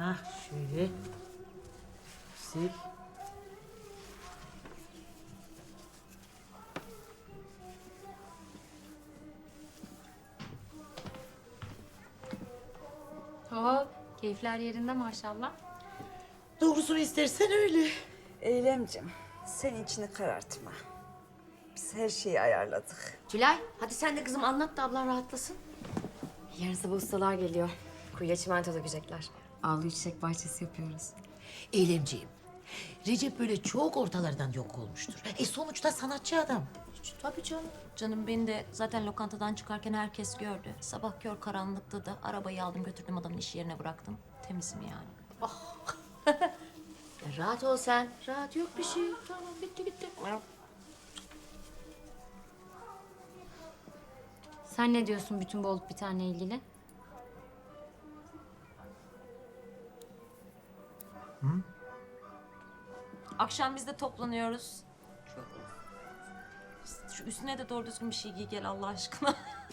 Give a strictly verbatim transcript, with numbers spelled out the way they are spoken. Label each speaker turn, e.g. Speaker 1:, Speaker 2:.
Speaker 1: Ha şöyle. Sil.
Speaker 2: Oo, keyifler yerinde maşallah.
Speaker 1: Doğrusunu istersen öyle.
Speaker 3: Eylemcim, sen içini karartma. Biz her şeyi ayarladık.
Speaker 4: Tülay, hadi sen de kızım anlat da ablan rahatlasın.
Speaker 2: Yarın sabah ustalar geliyor. Kuyuya çimento dökecekler. Avluyu çiçek bahçesi yapıyoruz.
Speaker 1: Eylemciğim. Recep böyle çok ortalardan yok olmuştur. E sonuçta sanatçı adam.
Speaker 4: Tabii canım. Canım beni de zaten lokantadan çıkarken herkes gördü. Sabah kör karanlıkta da arabayı aldım götürdüm adamın iş yerine bıraktım. Temizim yani.
Speaker 2: Ya rahat ol sen. Rahat yok bir şey. Tamam bitti gitti. Sen ne diyorsun bütün bu olup bitenle ilgili?
Speaker 4: Akşam biz de toplanıyoruz. Şu üstüne de doğru düzgün bir şey giy gel Allah aşkına.